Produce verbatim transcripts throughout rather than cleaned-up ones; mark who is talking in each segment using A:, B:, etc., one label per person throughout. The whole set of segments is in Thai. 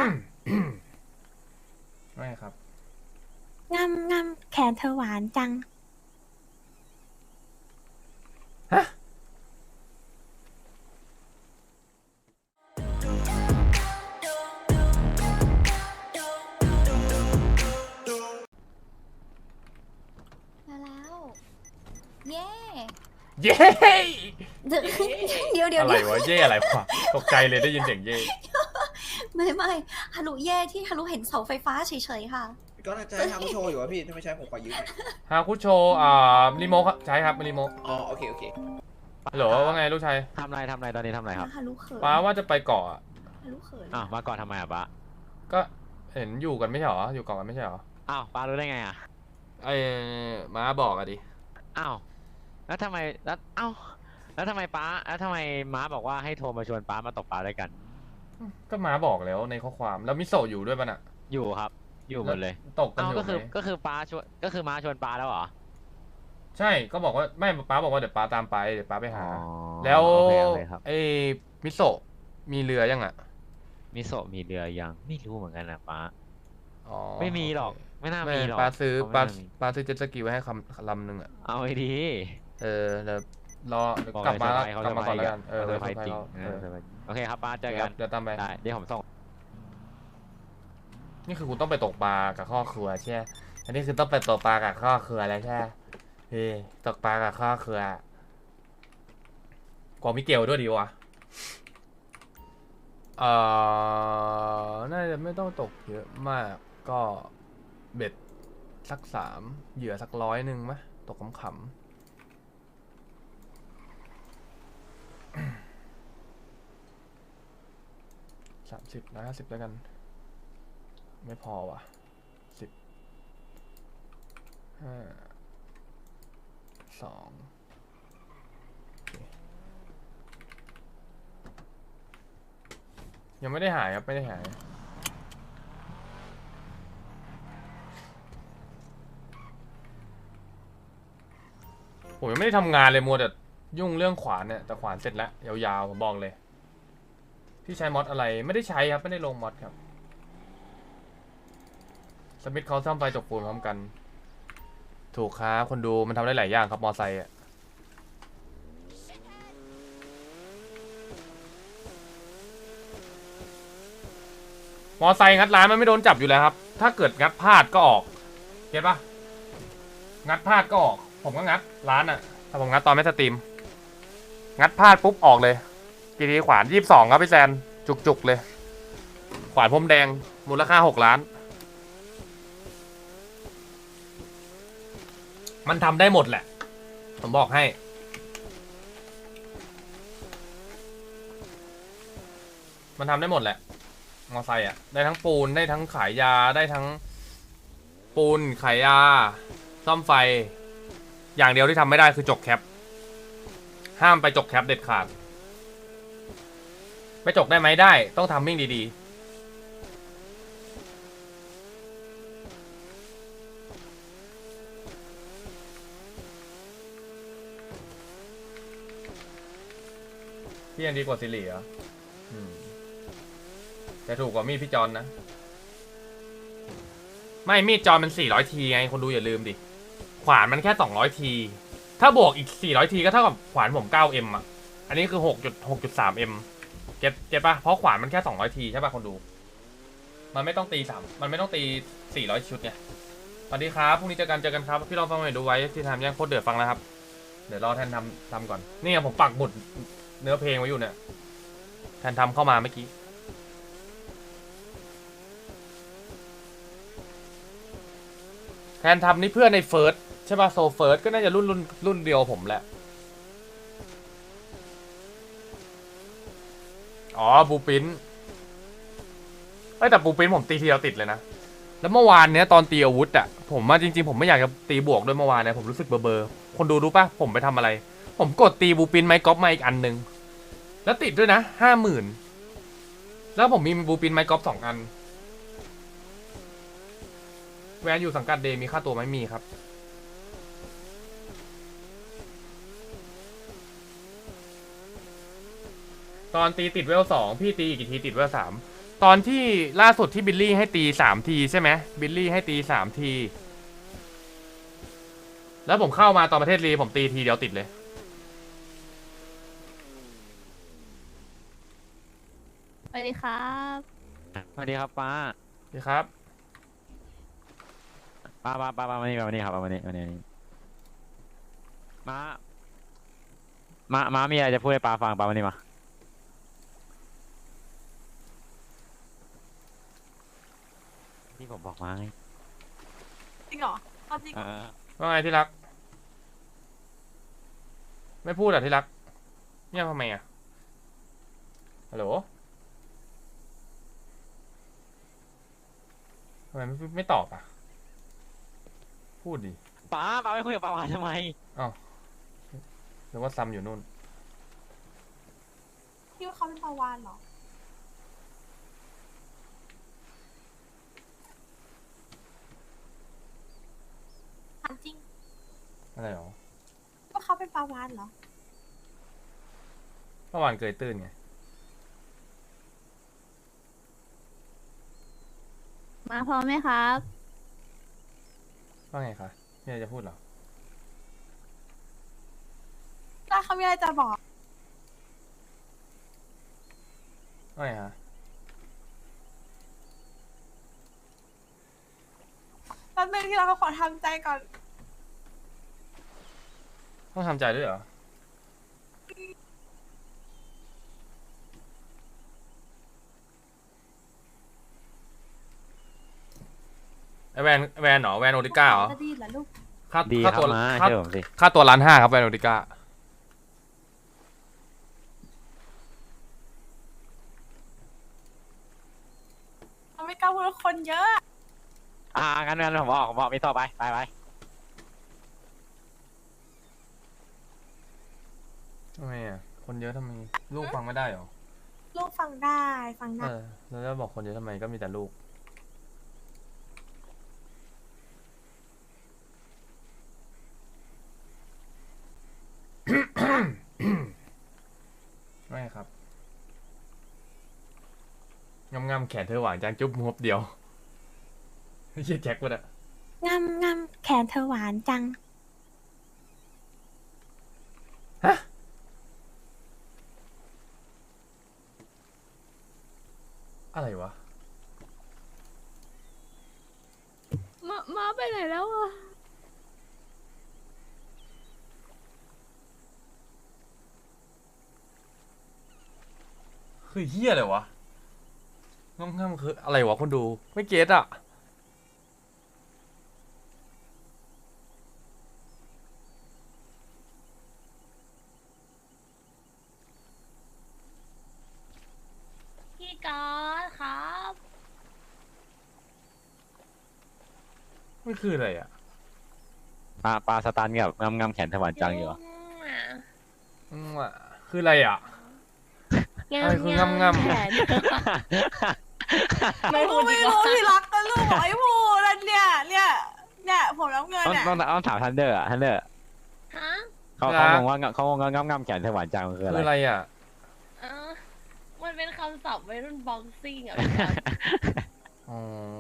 A: ไม่ครับ
B: งำงำแขนเธอหวานจัง
A: ฮะ
C: มาแล้วเย่
A: เย้
C: เดี๋ยวเดี๋ยวเดี๋ยว
A: อะไรวะเย่อะไรวะตกใจเลยได้ยินเสียงเย่
C: ไม่ไม่ฮารุเย่ที่ฮารุเห็นเสาไฟฟ้าเฉยๆค่ะ
D: ก็น่าจะให้ทำโชว์อยู่วะพี่ถ้าไม่ใช่ผมขอยืม
A: ฮาคุโชอ่ารีโมทใช้ครับรีโมท
D: อ๋อโอเคโอเค
A: ฮัลโหลว่าไงลูกชาย
E: ทำไรทำไรตอนนี้ทำไรครับ
C: ฮารุเขิน
A: ป้าว่าจะไปเกาะ
C: ฮารุเขิน
E: อ้าวมาก่อนทำไมอ่ะป้า
A: ก็เห็นอยู่กันไม่ใช่หรออยู่เกาะกันไม่ใช่หรอ
E: อ้าวป้ารู้ได้ไงอ่ะ
A: ไอ้ม้าบอกอะดิ
E: อ้าวแล้วทำไมแล้วเอ้าแล้วทำไมป้าแล้วทำไมม้าบอกว่าให้โทรมาชวนป้ามาตกปลาด้วยกัน
A: ก็ม้าบอกแล้วในข้อความแล้วมิโซะอยู่ด้วยป่ะน่ะ
E: อยู่ครับ อยู่หมดเลย
A: ตกกัน
E: อ้า
A: อ
E: ว
A: ยู่
E: ก็คือ
A: ไหม
E: ก็คือป้าชวนก็คือม้าชวนป้าแล้วเหรอ
A: ใช่ก็บอกว่าไม่ป้าบอกว่าเดี๋ยวป้าตามไปเดี๋ยวป้าไปหา
E: อ๋อ
A: แล้ว
E: โอเคโอเคครับ
A: ไอ้มิโซะมีเรือยังอ่ะ
E: มิโซะมีเรือยังไม่รู้เหมือนกันนะป้า
A: อ๋อ
E: ไม่มีหรอก
A: โเค
E: ไม่น่า
A: ไม่
E: มีหรอก
A: ป้าซื้อ
E: เขไม่
A: ป้า
E: น่มี
A: ป้าซื้อเจ็ตสกีไว้ให้คำลำหนึ่งอ่ะ
E: เอาไอ้ดี
A: เออเดี๋ยวรอเดี๋ยว
E: บอก
A: กลับมา
E: เลยเซอร์ไพรส์เขา
A: กลับมาก่อนแล้วกัน
E: เซ
A: เอ
E: อ
A: อ
E: ร์ไพรส์
A: เซอร์ไพรส์
E: จริง
A: เรา
E: เอ
A: เอ
E: อ
A: อ
E: เซอร์ไพรส์โอเคครับป้าเจอ
A: เดี๋
E: กั
A: ยวน เดี๋ยวตามไป
E: ได้เดี๋ยวผมส่ง
A: นี่คือคุณต้องไปตกปลากับครอบครัวใช่ไหมอันนี้คือต้องไปตกปลากับครอบครัวแล้วใช่ไหมเฮ้ยตกปลากับครอบครัวกว่ามิเกลด้วยดีวะเอ่อน่าจะไม่ต้องตกเยอะมากก็เบ็ดสักสามเหยื่อสักร้อยหนึ่งไหมตกขำๆ สามสิบร้อยห้าสิบแล้วกันไม่พอว่ะสิบห้าสองยังไม่ได้หายครับไม่ได้หายผมยังไม่ได้ทำงานเลยมัวแต่ยุ่งเรื่องขวานเนี่ยแต่ขวานเสร็จแล้วยาวๆผมบอกเลยพี่ใช้มอดอะไรไม่ได้ใช้ครับไม่ได้ลงมอดครับสมิธเขาซ่อมไฟจกปูนพร้อมกันถูกครับคนดูมันทำได้หลายอย่างครับมอไซค์อ่ะมอไซค์งัดร้านมันไม่โดนจับอยู่แล้วครับถ้าเกิดงัดพลาดก็ออกเก็ตปะงัดพลาดก็ออกผมก็งัดร้านอ่ะถ้าผมงัดตอนไม่สตรีมงัดพลาดปุ๊บออกเลยกีทีขวานยี่สิบสองครับพี่แซนจุกๆเลยขวานพรมแดงมูลค่าหกล้านมันทำได้หมดแหละผมบอกให้มันทำได้หมดแหละมอไซค์อ่ะได้ทั้งปูนได้ทั้งขายยาได้ทั้งปูนขายยาซ่อมไฟอย่างเดียวที่ทำไม่ได้คือจกแคปห้ามไปจกแคปเด็ดขาดไปจกได้ไหมได้ต้องทำมิ่งดีๆพี่ยังดีกว่าซิลี่เหรออืมแต่ถูกกว่ามีดพี่จอนนะไม่มีดจอนมันสี่ร้อยทีไงคนดูอย่าลืมดิขวานมันแค่สองร้อยทีถ้าบวกอีกสี่ร้อยทีก็เท่ากับขวานผมเก้าเอ็มอ่ะอันนี้คือหกจุดหกจุดสามเอ็มเก็ตเก็ตป่ะเพราะขวานมันแค่สองร้อยทีใช่ป่ะคนดูมันไม่ต้องตีสามมันไม่ต้องตีสี่ร้อยชุดเนี่ยสวัสดีครับพรุ่งนี้เจอกันเจอกันครับพี่ลองฟังหน่อยดูไว้ที่ทำยังโคตรเดือดฟังแล้วครับเดี๋ยวรอแทนทำทำก่อนนี่ไงผมปักหมุดเนื้อเพลงไว้อยู่เนี่ยแทนทำเข้ามาเมื่อกี้แทนทำนี่เพื่อนในเฟิร์สใช่ป่ะโซเฟิร์สก็น่าจะรุ่นรุ่นรุ่นเดียวผมแหละอ๋อบูปินเอ้ยแต่บูปินผมตีทีเดียวติดเลยนะแล้วเมื่อวานเนี้ยตอนตีอาวุธอ่ะผมมาจริงๆผมไม่อยากจะตีบวกด้วยเมื่อวานเนี่ยผมรู้สึกเบอร์เบอร์คนดูรู้ป่ะผมไปทำอะไรผมกดตีบูปินไม้กอล์ฟมาอีกอันหนึ่งแล้วติดด้วยนะห้าหมื่นแล้วผมมีบูปินไม้กอล์ฟสองอันแวนอยู่สังกัดเดมีค่าตัวไหมมีครับตอนตีติดเวลสองพี่ตีอีกกี่ทีติดเวลสามตอนที่ล่าสุดที่บิลลี่ให้ตีสามทีใช่ไหมบิลลี่ให้ตีสามทีแล้วผมเข้ามาตอนประเทศลีผมตีทีเดียวติดเลย
B: สวัสดีครับ
E: สวัสดีครับป้า
A: ดีครับ
E: ป้าป้าป้าป้ามานี่มานี่ครับมานี่มานี่มานี่ม้าม้าม้ามีอะไรจะพูดให้ป้าฟังป้ามานี่มาที่ผมบอกมาไง
B: จริงเหรอเอาจริง
E: เออ
A: ว่าไงที่รัก ไม่พูดอ่ะที่รักเงียบทำไมอ่ะฮัลโหลทำไมไม่ไม่ตอบอ่ะพูดดิ
E: ป้าป้าไม่คุยกับป้าวานทำไม
A: อ้าวหรือว่าซัมอยู่นู่น
B: คิดว่าเขาเป็นปลาวานเหรอถามจริง
A: อะไรหรอ
B: ว่าเขาเป็นปลาวานเหรอ
A: เมื่อวานเกยตื้นไง
B: มาพร้อมไหมครับ
A: ว่าไงคะมีอะไรจะพูดเหรอ
B: ถ้าเขามีอะไรจะบอก
A: ว่าไงคะ
B: แป๊บนึงที่เราก็ขอทำใจก่อน
A: ต้องทำใจด้วยเหรอ ไอแวนแวนเหรอแวนโอติก้าเหรอ
B: จะดีเหรอลูก
A: ค่า
E: ดีค
A: ค่า
E: รับ
A: ตัว
E: ม้า
A: ค่า
E: เชื่อผมสิ
A: ค่าตัวล้านห้าครับแวนโอติก้า
B: เขาไม่กล้าพูดว่าคนเยอะ
E: อ่างั้นงั้นผมบอกผมบอกไม่ต่อไปไปไป
A: ทำไมอ่ะ คนเยอะทำไม ลูกฟังไม่ได้เหรอ
B: ลูกฟังได้ฟัง
A: เอ
B: ได้
A: อ แล้วจะบอกคนเยอะทำไมก็มีแต่ลูก ไม่ครับงำงำๆแขนเธอหวานจังจุ๊บมบเดียว เฮียแจ็ควะเนี่ย
B: งำงำแขนเธอหวานจัง
A: ฮะ อะไรวะ
B: มามาไปไหนแล้วอ่ะ
A: คือเฮียอะไรวะงำงำๆคืออะไรวะคนดู ไม่เก็ตอ่ะ
B: พี่กอดครับ
A: ไม่คืออะไรอ่ะ
E: ปลาปลาสตันกับงำงำแขนถวันจังอยู่เหรอ
A: อืมอ่ะคืออะไรอ่ะ อะไรคืองำงำ
B: แขนไม่รู้ไม่รู้ที่รักกันลูกบอกไอ้พูนั่นเนี่ยเนี่ยเนี่ยผมรับเงิน
E: ต้อง
B: เนี่ย
E: ต้องต้องถามทันเดอร์อะทันเดอร์
F: ฮะ
E: เขาเขางงว่าเขางงงำงำแขนถวันจังมันคืออะ
A: คือ
E: ไร
A: อะไรอ่ะ
F: เออมันเป็นคำศัพท์วัยรุ่นบ็อกซิ่งอ่ะพี่ครับ
A: อ๋อ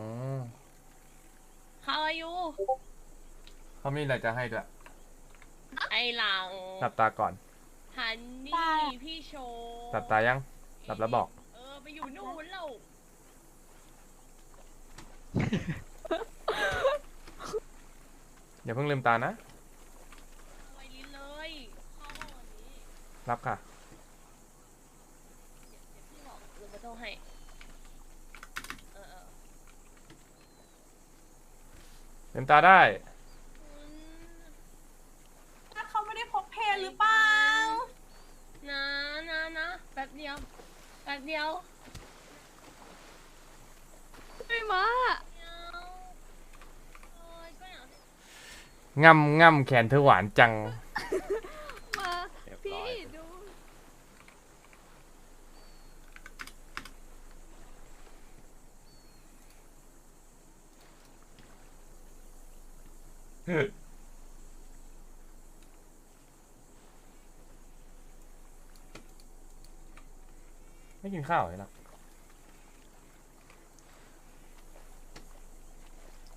F: How are you
A: เขามีอะไรจะให้ด้วย
F: ไอหลัง
A: หลับตาก่อน
F: ฮันนี่พี่โชว์
A: หลับตายัง หลับแล้วบอก
F: เออไปอยู่นู่นแล้ว
A: อย่าเพิ่งลืมตานะ
F: ไวลิ้นเลยเข้าห้องวันนี้
A: รับค่ะ
F: เดี๋ยวพี่บอกลุงมาโทรให้เออเออ
A: ลืมตาได้
F: อืม
B: ถ้าเขาไม่ได้พกเพลหรือเปล่า
F: นะนะนะแป๊บเดียวแป๊บเดียว
B: ไม่มา
F: เดียวโอ้ยก็อย่างที่
A: งำงำแขนเธอหวานจัง
B: มา พี่ดู
A: ไม่กินข้าวเลยหรอ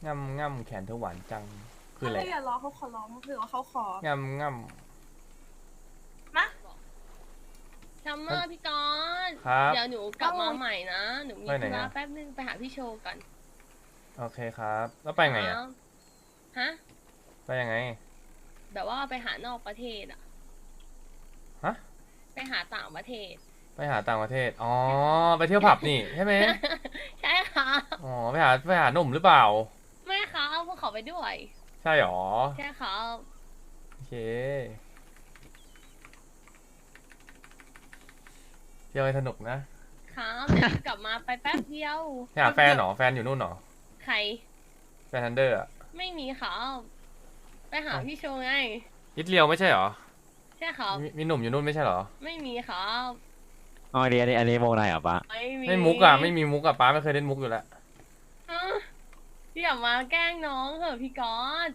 A: ง่ำง่ำแขนเธอหวานจังคืออะไร
B: ถ้าอย่าร้องเขาขอร้องคือว่าเขาขอ
A: ง่ำง่
B: มา
F: ซัมเมอร์พี่กอน
A: ำครับ
F: เดี๋ยวหนูกลับมาใหม่นะ หนูมี
A: ไปไหน
F: ธุระ
A: อะ
F: แป๊บนึงไปหาพี่โชว์ก่อน
A: โอเคครับ แล้วไปไงอ่ะ
F: ครับฮะ
A: ไปยังไง
F: แบบว่าไปหานอกประเทศอะ
A: ฮะ
F: ไปหาต่างประเทศ
A: ไปหาต่างประเทศ อ๋อ ไปเที่ยวผับนี่ใช่ไหม
F: ใช่ค่ะ
A: อ๋อ ไปหาไปหาหนุ่มหรือเปล่า
F: ไม่ค่ะพวกเขาไปด้วย
A: ใช่หรอ
F: ใช่ค่ะ
A: โอเค เที่ยวให้สนุกนะ
F: ครับเดี๋ยวกลับมาไปแป๊บเดียว
A: ไปหาแฟนเหรอ แฟนอยู่นู่นเหรอ
F: ใคร
A: แฟนทันเดอร์อะ
F: ไม่มีค่ะไปหาพี่โชว์ไง
A: อิตเลียวไม่ใช่เหรอ
F: ใช่ค่ะ
A: มีมีหนุ่มอยู่นู่นไม่ใช่เหรอ
F: ไม่มีค่ะ
E: อ๋ออันนี้อันนี้อันนี้วงในเหรอปะ
F: ไม่มี
A: ไม่มุกอะไม่มีมุกอะป้าไม่เคยเล่นมุกอยู่แล้ว
F: ฮะพี่อย่ามาแกล้งน้องเถอะพี่กอด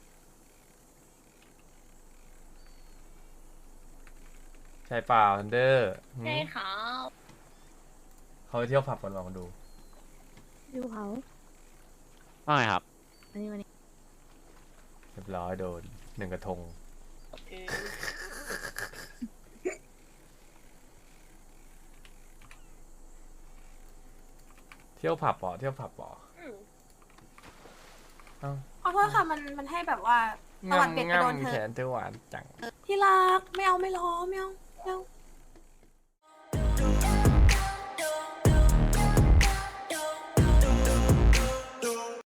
A: ใช่เปล่าทันเดอร์
F: ใช่ครับ
A: เขาไปเที่ยวผับกันมาคนดู
G: ดูเขา
E: ว่าไงครับ
G: อันนี้วันนี้
A: เรียบร้อยโดนหนึ่งกระทง
F: เออ
A: เที่ยวผับเหรอเที่ยวผับเหรอ
F: อืม
A: เอ้า
B: ขอโทษค่ะมันมันให้แบบว่าตะวันเปลี่ยนไปโดน
A: ง่ำ
B: เธ
A: แข
B: อน
A: เธอหวานจัง
B: ที่รักไม่เอาไม่ร้องไม่เอาไม่เอา